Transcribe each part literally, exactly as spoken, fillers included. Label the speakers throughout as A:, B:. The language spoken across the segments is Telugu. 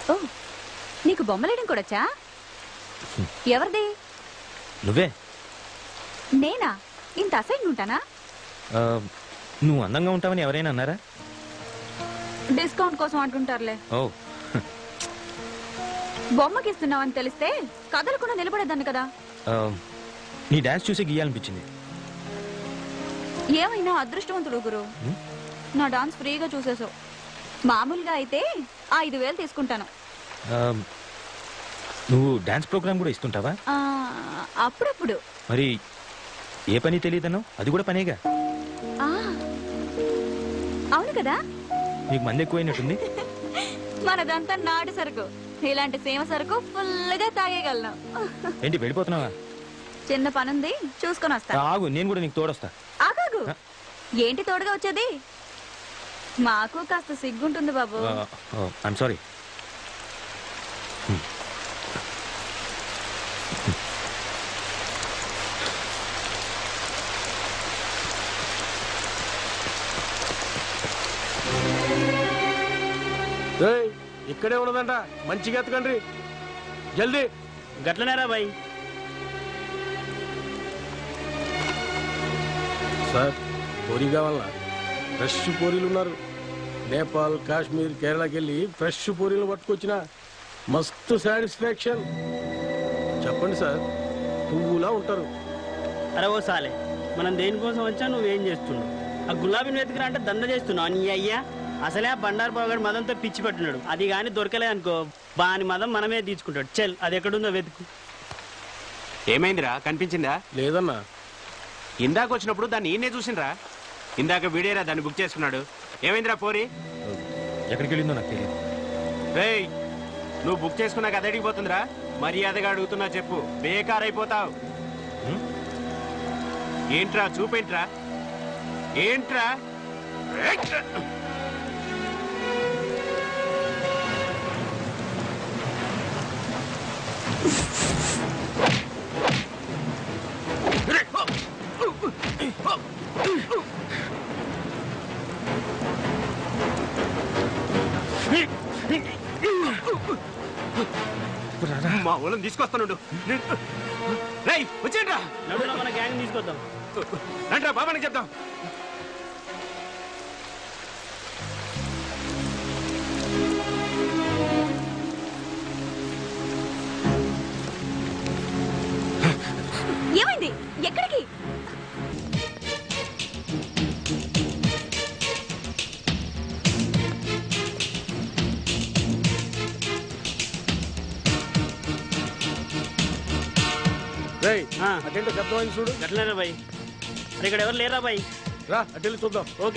A: ఓ నీకు బొమ్మలేయడం కూడాచా? ఎవరిది?
B: నువ్వే.
A: నేనా? ఇంత అసహ్యంగా ఉంటానా?
B: నువ్వు అందంగా ఉంటావని ఎవరైనా అన్నారా?
A: డిస్కౌంట్ కోసం అంటుంటారులే.
B: ఓ
A: బొమ్మకి ఇస్తున్నావని తెలిస్తే కదలకుండా నిలబడేదాన్ని కదా.
B: నీ డాన్స్ చూసి గీయాలనిపించింది.
A: ఏమైనా అదృష్టవంతుడు గురు, నా డాన్స్ ఫ్రీగా చూసేసావు. మామూలుగా అయితే ఐదు వేలు తీసుకుంటాను.
B: నువ్వు డాన్స్ ప్రోగ్రామ్ కూడా ఇస్తుంటావా?
A: అప్పుడప్పుడు.
B: మరి ఏ పని తెలియదను? అది కూడా పనేగా.
A: అవును కదా.
B: నీకు మంది ఎక్కువైనట్టుంది.
A: మనదంతా నాటు సరుకు. ఇలాంటి సీమ సరుకు ఫుల్ గా తాగేయగలను.
B: ఏంటి వెళ్ళిపోతున్నావా?
A: చిన్న పనుంది, చూసుకొని వస్తా.
B: ఆగు, నేను కూడా నీకు తోడొస్తా.
A: ఆగాగు. ఏంటి తోడుగా వచ్చేది? మాకు కాస్త సిగ్గుంటుంది బాబు.
B: I'm sorry.
C: ఇక్కడే ఉన్నదంట, మంచిగా ఎత్తకండి జల్దీ.
D: గట్లనేరా బాయ్.
C: సార్ పూరి కావాలా? ఫ్రెష్ పూరీలు ఉన్నారు. నేపాల్, కాశ్మీర్, కేరళకి వెళ్ళి ఫ్రెష్ పూరీలు పట్టుకొచ్చిన మస్తు సాటిస్ఫాక్షన్. చెప్పండి సార్, పువ్వులా ఉంటారు.
D: అరే ఓ సాలే, మనం దేనికోసం వచ్చా నువ్వేం చేస్తున్నావు? ఆ గులాబీని వెతికిరా అంటే దండ చేస్తున్నావు నీ అయ్యా. అసలే ఆ బండారు బాగాడు మదంతో పిచ్చి పట్టున్నాడు. అది కానీ దొరకలే అనుకో, బాని మదం మనమే తీసుకుంటాడు. చెల్, అది ఎక్కడుందో వెతుకు.
E: ఏమైందిరా, కనిపించిందా?
C: లేదన్నా.
E: ఇందాక వచ్చినప్పుడు దాన్ని ఈయనే చూసిండ్రా. ఇందాక వీడేరా దాన్ని బుక్ చేసుకున్నాడు. ఏమైందిరా పోరి?
B: ఎక్కడికి వెళ్ళిందో నాకు తెలియదు.
E: రేయ్, నువ్వు బుక్ చేసుకున్నాక అది అడిగిపోతుందిరా. మర్యాదగా అడుగుతున్నా చెప్పు, బేకార్ అయిపోతావు. ఏంట్రా చూపేంట్రా? ఏంట్రా? మా ఊళ్ళని తీసుకొస్తాను. రేయ్ వచ్చేయండిరా,
D: మన గ్యాంగ్ తీసుకొద్దాం.
E: రండిరా బాబానికి చెప్దాం.
A: ఏమైంది? ఎక్కడికి?
C: అటెంటో శబ్దం చూడు.
D: గట్లనేరా బాయ్. అరే ఇక్కడ ఎవరు లేరా బాయ్?
C: రా అటెండి చూద్దాం.
D: ఓకే,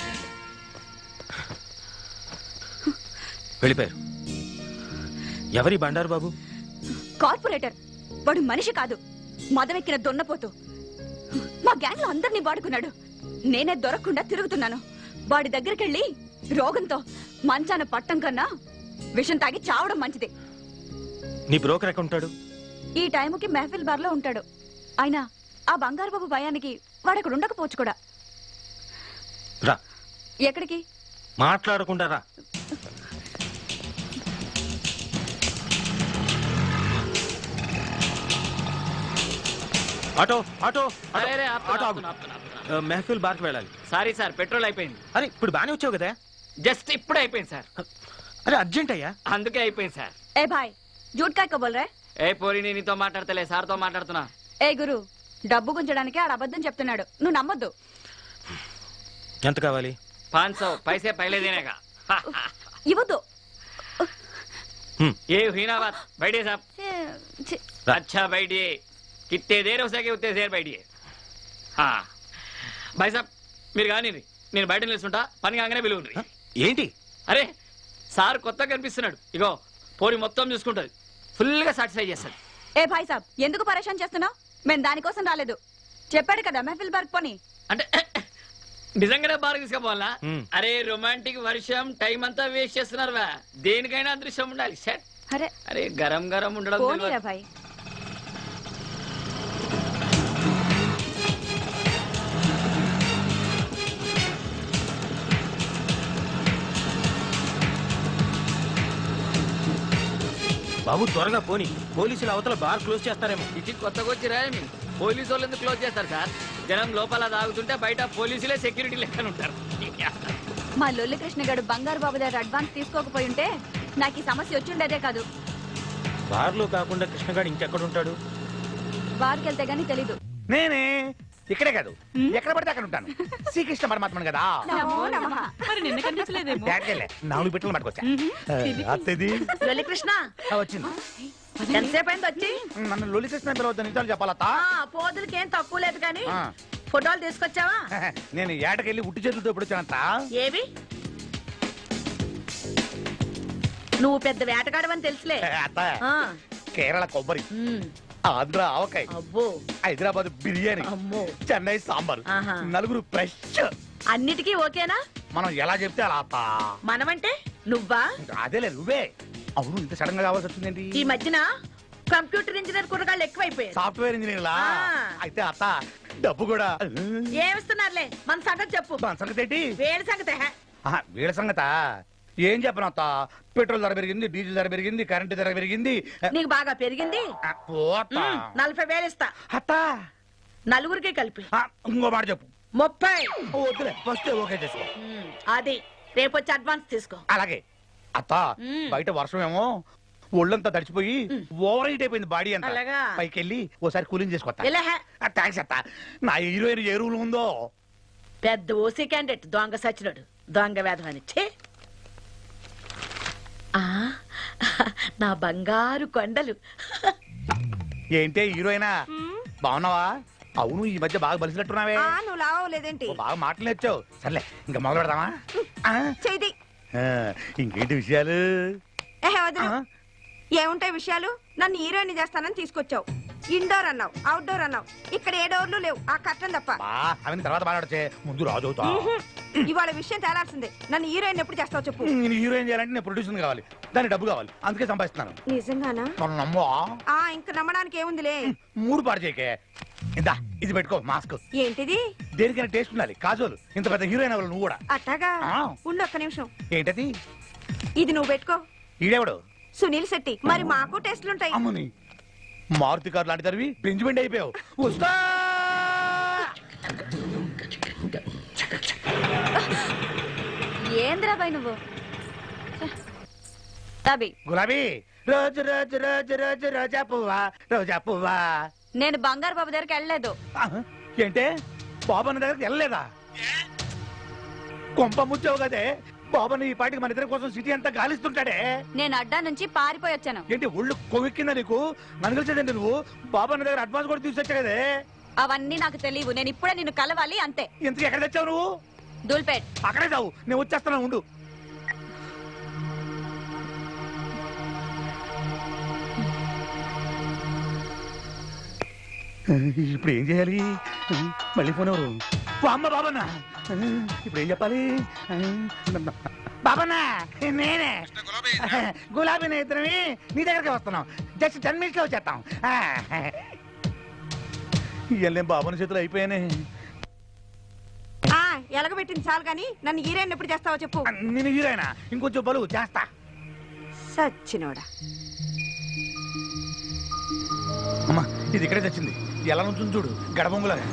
B: వెళ్ళిపోయారు. ఎవరి బండారు బాబు?
A: కార్పొరేటర్. వాడు మనిషి కాదు, మదమెక్కిన దొన్నపోతూ. మా గ్యాంగ్ లో అందరినీ వాడుకున్నాడు. నేనే దొరకకుండా తిరుగుతున్నాను. వాడి దగ్గరికెళ్ళి రోగంతో మంచాన పట్టం కన్నా విషం తాగి చావడం మంచిది.
B: నీ బ్రోకర్ ఎక్కడ ఉంటాడు?
A: ఈ టైముకి మెహఫిల్ బార్ లో ఉంటాడు. అయినా ఆ బంగారు బాబు భయానికి వాడక్కడ ఉండకపోవచ్చు కూడా.
B: రా.
A: ఎక్కడికి?
B: మాట్లాడకుండా రా. ఆటో ఆటో ఆటో మెహఫిల్ బార్కి వెళ్ళాలి.
F: సారీ సార్, పెట్రోల్ అయిపోయింది.
B: అరే ఇప్పుడు బానే వచ్చావు కదా.
F: జస్ట్ ఇప్పుడు అయిపోయింది సార్.
B: అరే అర్జెంట్ అయ్యా,
F: అందుకే అయిపోయింది సార్.
A: ఏ భాయ్, జూట్ కాయ కబోల్ రే.
F: ఏ పోరి, నేను నీతో మాట్లాడతలే, సార్తో మాట్లాడుతున్నా.
A: ఏ గురు, డబ్బు గుంజడానికి ఆడ అబద్ధం చెప్తున్నాడు, నువ్వు నమ్మొద్దు.
B: ఎంత కావాలి?
F: పాంచ్ సौ पैसे पहले देने का.
A: ఇవ్వద్దు.
F: ये हुई ना बात. बैठिए साहब. अच्छा बैठिए. कितने देर हो सके उतने देर बैठिए. हाँ भाई साहब, మీరు కానీ నేను బయట నిలుస్తుంటా, పని కాగానే పిలువుండ్రి.
B: ఏంటి?
F: అరే సార్ కొత్తగా కనిపిస్తున్నాడు. ఇగో పోరి మొత్తం చూసుకుంటది, ఫుల్ గా సాటిస్ఫై చేస్తాడు.
A: ఏ భాయ్ సాబ్, ఎందుకు పరేషాన్ చేస్తున్నావు? మేము దానికోసం రాలేదు. చెప్పాడు కదా మెహఫిల్ బార్క్ పోని.
F: అంటే నిజంగానే బాగా తీసుకుపోవాలా? అరే రొమాంటిక్ వర్షం టైం అంతా వేస్ట్ చేస్తున్నారు. దేనికైనా అదృశ్యం ఉండాలి.
A: అరే
F: అరే గరం గరం ఉండడం.
A: భాయ్
B: బాబు త్వరగా పోని, పోలీసులు అవతల బార్ క్లోజ్ చేస్తారేమో.
F: ఇది కొత్తగా వచ్చిరా పోలీసు వాళ్ళు ఎందుకు క్లోజ్ చేస్తారు సార్? జనం లోపల తాగుతుంటే బయట పోలీసులే సెక్యూరిటీ లెక్కన ఉంటారు.
A: మా లొల్లి కృష్ణ గారు బంగారు బాబు దగ్గర అడ్వాన్స్ తీసుకోకపోయి ఉంటే నాకు ఈ సమస్య వచ్చిండేదే కాదు.
B: బార్లో కాకుండా కృష్ణగాడు ఇంకెక్కడ ఉంటాడు?
A: బార్కి వెళ్తే గానీ తెలీదు.
G: నేనే ఇక్కడే కాదు ఎక్కడ పడితే అక్కడ ఉంటాను. శ్రీకృష్ణ పరమాత్మను కదా.
A: మరి నిన్న కనిపించలేదేమో.
G: బ్యాగ్కెళ్ళే నాలుగు బిట్టలు పట్టుకొచ్చా. అత్తది
H: లొల్లి కృష్ణ
G: ఆ, వచ్చింది.
H: ఎంతసేపు అయింది వచ్చి?
G: నన్ను లొలి కృష్ణ పిలవద్దు, నిజాలు చెప్పాలత్తా.
H: ఆ, పోదులకి ఏం తక్కువ లేదు కానీ
G: ఆ.
H: ఫోటోలు తీసుకొచ్చావా?
G: నేను ఏటకెళ్ళి ఉట్టి చేతులతో ఎప్పుడు వచ్చానంత.
H: ఏవి? నువ్వు పెద్ద వేటగాడవని తెలుసులే.
G: అత్త
H: ఆ,
G: కేరళ కొబ్బరి,
H: ఉమ్,
G: ఆంధ్ర ఆవకాయ,
H: అబ్బో,
G: హైదరాబాద్ బిర్యానీ,
H: అమ్మో,
G: చెన్నై సాంబార్,
H: ఆహా.
G: నలుగురు ఫ్రెష్.
H: అన్నిటికీ ఓకేనా?
G: మనం ఎలా చెప్తే అలా అత్త.
H: మనమంటే నువ్వా?
G: అదేలే నువ్వే. అవును, ఇంత సడన్ గా కావాల్సి వచ్చిందేంటి?
H: ఈ మధ్యన కంప్యూటర్ ఇంజనీర్ కుర్రగాళ్ళు ఎక్కువైపోయారు.
G: సాఫ్ట్వేర్ ఇంజనీర్ లా.
H: ఆ.
G: అయితే అత్త డబ్బు కూడా.
H: ఏమిస్తున్నారులే, మన సంగతి చెప్పు.
G: మన సంగతి ఏంటి?
H: వేడి సంగతి హే.
G: ఆహా, వీళ్ళ సంగత ఏం చెప్పను అత్త. పెట్రోల్ ధర పెరిగింది, డీజిల్ ధర పెరిగింది, కరెంటు ధర పెరిగింది.
H: నీకు బాగా పెరిగింది.
G: ఆ, పోతా.
H: ఉమ్, నలభై వేలు ఇస్తా
G: అత్త
H: నలుగురికి కలిపి.
G: ఆ, ఇంకో మాట చెప్పు.
H: ముప్పై.
G: ఓ, వద్దులే, ఫస్ట్ ఓకే చేసుకో.
H: ఉమ్, అది రేపు వచ్చి అడ్వాన్స్ తీసుకో.
G: అలాగే అత్త.
H: మ్మ్.
G: బయట వర్షం ఏమో ఒళ్ళంతా తడిచిపోయి ఓవర్ హీట్ అయిపోయింది బాడీ అంతా.
H: అలాగా?
G: పైకి వెళ్ళి ఓసారి కూలింగ్ చేసుకోవచ్చా?
H: ఇలా హే.
G: థ్యాంక్స్ అత్త. నా హీరోయిన్ ఏ రూల్ ఉందో.
H: పెద్ద ఓసీ క్యాండిడేట్ దొంగ సచ్చినోడు, దొంగ వేధం ఛే. ఆ, నా బంగారు కొండలు.
G: ఏంటే హీరోయినా, బాగున్నావా? అవును, ఈ మధ్య బాగా బలిసినట్టున్నావే.
A: నువ్వు లావలేదేంటి?
G: ఓ, బాగా మాటలు నేర్చావు. సర్లే, ఇంకా మొదలు పెడదామా? ఆ?
A: చేయి.
G: ఆ, ఇంకేంటి విషయాలు? ఆ?
A: ఏముంటాయి విషయాలు? నన్ను హీరోయిన్ చేస్తానని తీసుకొచ్చావు. ఇండోర్ అన్నావు, అవుట్డోర్ అన్నావు. ఇక్కడ ఏ డోర్లు లేవు, ఆ కట్టం తప్ప.
G: బా, అవన్నీ తర్వాత మాట్లాడచ్చే, ముందు రాజు అవుతా.
A: ఇవాళ విషయం తేలాల్సిందే. నన్ను హీరోయిన్ ఎప్పుడు చేస్తావు చెప్పు.
G: నేను హీరోయిన్ చేయాలంటే నేను ప్రొడ్యూసర్ కావాలి, దానికి డబ్బు కావాలి, అందుకే సంపాదిస్తున్నాను.
A: నిజంగానా?
G: మనం నమ్మో.
A: ఆ ఇంక నమ్మడానికి ఏముందిలే.
G: మూడు పాడు చేయకే. ఇందా ఇది పెట్టుకో, మాస్క్.
A: ఏంటిది?
G: దేనికైనా టేస్ట్ ఉండాలి. కాజోలు ఇంత పెద్ద హీరోయిన్ అవ్వాలి నువ్వు కూడా.
A: అట్టాగా?
G: ఆ.
A: ఉండు ఒక్క నిమిషం.
G: ఏంటది?
A: ఇది నువ్వు పెట్టుకో.
G: ఈడేవాడు?
A: సునీల్ శెట్టి. మరి మాకు టెస్ట్లుంటాయి.
G: అమ్మని మారుతి కార్ లాంటి తరివి బెంచ్మెంట్ అయిపోయావు. వస్తా.
A: ఏంద్రాబాయ్ నువ్వు? తబి
G: గులాబీ రోజు రోజు రోజు రోజు రోజా పువ్వా, రోజా పువ్వా.
A: నేను బంగారు బాబు దగ్గరికి వెళ్ళలేదు.
G: ఆహా, ఏంటే బాబన్న దగ్గరికి వెళ్ళలేదా? కొంప ముచ్చావు కదే. బాబన్న ఈ పాటికి మన ఇద్దరి కోసం సిటీ అంతా గాలిస్తుంటాడే.
A: నేను అడ్డా నుంచి పారిపోయి వచ్చాను.
G: ఏంటి ఒళ్ళు కొవ్వెక్కిందా నీకు? నన్ను కలిసేదండి నువ్వు. బాబన్న దగ్గర అడ్వాన్స్ కూడా తీసుకొచ్చా కదే.
A: అవన్నీ నాకు తెలియవు. నేను ఇప్పుడే నిన్ను కలవాలి అంతే.
G: ఇంతకు ఎక్కడ తెచ్చావు నువ్వు?
A: దూల్పేట్.
G: అక్కడే చావు, నేను వచ్చేస్తాను, ఉండు. ఇప్పుడు ఏం చేయాలి? మళ్ళీ ఫోన్ ఎవరు? ఓ అమ్మ బాబన్న. ఇప్పుడు ఏం చెప్పాలి? బాబన్న నేనే, గులాబీ ఇద్దరమే నీ దగ్గరికి వస్తున్నాం. జస్ట్ టెన్ మినిట్స్ లో వచ్చేస్తాం. ఇవన్నీ బాబన్న చేతులు అయిపోయానే.
A: ఎలగబెట్టింది చాలు గాని నన్ను హీరోయిన్ ఎప్పుడు చేస్తావో చెప్పు.
G: నేను హీరోయినా? ఇంకొంచెం బలువు చేస్తా.
A: సచ్చినోడా.
G: అమ్మా ఇది ఇక్కడే తెచ్చింది. ఎలా నుంచి చూడు, గడబొంగులాగా.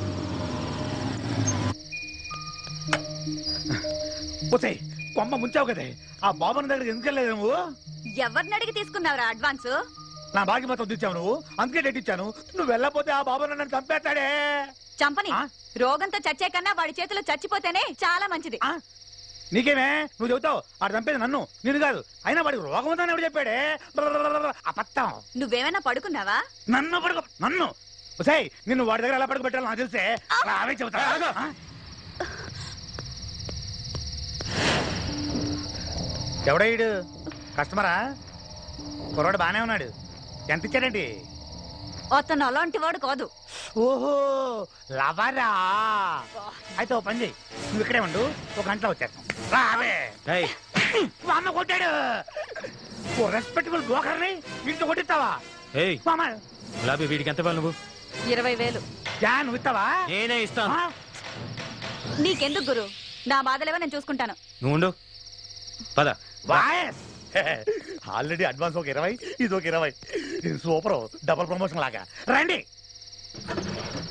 G: పోతాయి కొమ్మ ముంచావు కదే. ఆ బాబన్న దగ్గర ఎందుకు వెళ్ళలేదు నువ్వు?
A: ఎవరిని అడిగి తీసుకున్నావురా అడ్వాన్స్?
G: నా బాకి మొత్తం తెచ్చావు నువ్వు, అందుకే డేట్ ఇచ్చాను. నువ్వు వెళ్ళకపోతే ఆ బాబన్న నన్ను చంపేస్తాడే.
A: చంపని.
G: ఆ?
A: రోగంతో చచ్చే కన్నా వాడి చేతిలో చచ్చిపోతేనే చాలా మంచిది.
G: ఆ? నీకేమే నువ్వు చెబుతావు ఆడు చంపేది నన్ను, నేను కాదు. అయినా వాడికి రోగం ఉందని ఎవడు చెప్పాడే? అబద్ధం.
A: నువ్వేమైనా పడుకున్నావా?
G: నన్ను పడుకో, నన్ను. సై నిన్ను వాడి దగ్గర ఎలా పడుకోబెట్టాలో నాకు తెలిసే. అవే చెబుతా. ఎవడయ్యాడు? కస్టమరా? కుర్రాడు బానే ఉన్నాడు. ఎంత ఇచ్చాడండి?
A: అతను అలాంటి వాడు కాదు.
G: ఓహో లవరా. అయితే ఓ పని చెయ్యి, నువ్వు ఇక్కడే ఉండు, ఒక గంటలో వచ్చేస్తాం. రావే. మా అమ్మ కొట్టాడు. ఓ రెస్పెక్టబుల్ బ్రోకర్ని ఇంట్లో కొట్టిస్తావా?
B: ఏయ్ గులాబీ, వీడికి ఎంత ఇవ్వాలి నువ్వు?
A: ఇరవై వేలు.
G: యా నువ్వు ఇస్తావా?
B: నేనే ఇస్తాను.
A: నీకెందుకు గురు? నా బాధలేవో నేను చూసుకుంటాను.
B: నువ్వు ఉండు, పద.
G: వాయస్ ఆల్రెడీ అడ్వాన్స్ ఒక ఇరవై ఇది ఒక ఇరవై సూపర్ డబుల్ ప్రమోషన్ లాగా రండి